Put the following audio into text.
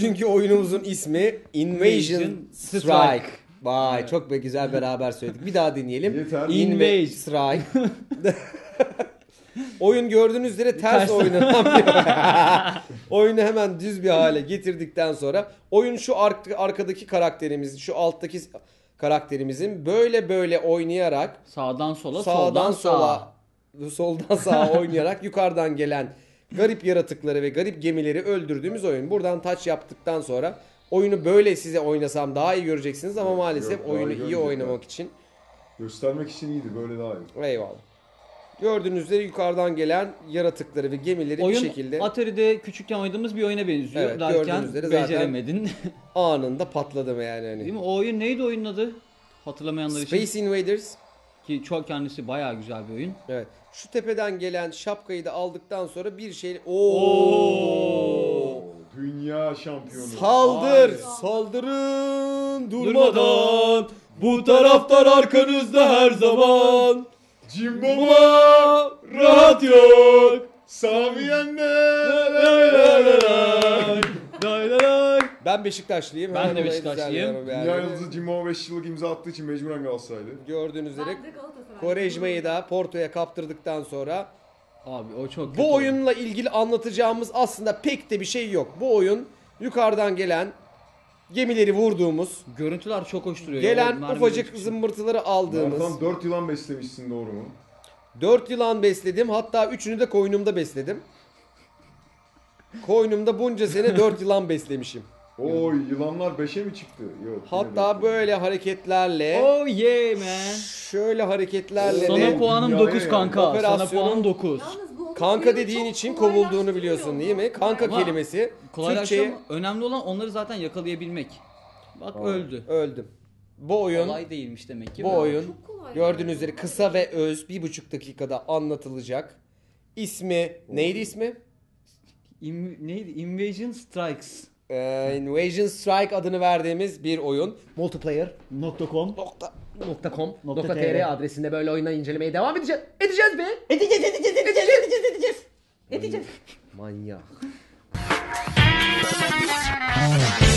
Bugünkü oyunumuzun ismi Invasion Strike. Vay çok güzel beraber söyledik. Bir daha dinleyelim. Yeter. Invasion Strike. Oyun gördüğünüz üzere ters oynanamıyor. Oyunu hemen düz bir hale getirdikten sonra oyun şu arkadaki karakterimizin, şu alttaki karakterimizin böyle oynayarak Sağdan sola, soldan sağa oynayarak yukarıdan gelen garip yaratıkları ve garip gemileri öldürdüğümüz oyun. Buradan touch yaptıktan sonra oyunu böyle size oynasam daha iyi göreceksiniz ama maalesef yok, oyunu daha iyi oynamak için. Göstermek için iyiydi, böyle daha iyi. Eyvallah. Gördüğünüz üzere yukarıdan gelen yaratıkları ve gemileri oyun, bir şekilde Atari'de küçükken oynadığımız bir oyuna benziyor. Evet, Derken gördüğünüz üzere zaten beceremedin. anında patladım yani. Hani. Değil mi? O oyun neydi oyunun adı? Hatırlamayanlar için. Space Invaders. Ki çok kendisi bayağı güzel bir oyun. Evet. Şu tepeden gelen şapkayı da aldıktan sonra bir şey... Oo! Dünya şampiyonu. Saldır! Ay. Saldırın! Durmadan! Bu taraftar arkanızda her zaman! Cimbom'a rahat yok. Ben Beşiktaşlıyım. Ben Hemen de olayı Beşiktaşlıyım. düzenliyorum yani. Dünya yıldızı Cimbom'a 5 yıllık imza attığı için mecburen Galatasaraylı. Gördüğünüz üzere Ben de Galatasaray. Quaresma'yı da Porto'ya kaptırdıktan sonra Abi o çok kötü bu oyun. oyunla ilgili anlatacağımız aslında pek de bir şey yok. Bu oyun yukarıdan gelen gemileri vurduğumuz, Görüntüler çok hoş duruyor. gelen O mermi ufacık çıkışı. zımbırtıları aldığımız. Tam 4 yılan beslemişsin, doğru mu? 4 yılan besledim. Hatta 3'ünü de koynumda besledim. Koynumda bunca sene 4 yılan beslemişim. Oy, yılanlar 5'e mi çıktı? Yok. Hatta böyle hareketlerle, Oh yeah man. şöyle hareketlerle Sana de puanım Dünyaya 9 yani. kanka. Sana Operasyonun puanım 9. Yalnız bu kanka oyunu dediğin çok için kovulduğunu kolaylaştırıyor biliyorsun bu. değil mi? Kanka Ama kelimesi Kolaylaştırma. Türkçe'ye Önemli olan onları zaten yakalayabilmek. Bak öldü. öldüm. Bu oyun, Kolay değilmiş demek ki. bu oyun Çok kolay. gördüğünüz üzere kısa ve öz 1,5 dakikada anlatılacak. İsmi neydi ismi? Neydi? Invasion Strikes. Invasion Strike adını verdiğimiz bir oyun. Multiplayer.com .com.tr adresinde böyle oyunları incelemeye devam edeceğiz. Edeceğiz be. Edeceğiz. Manyak.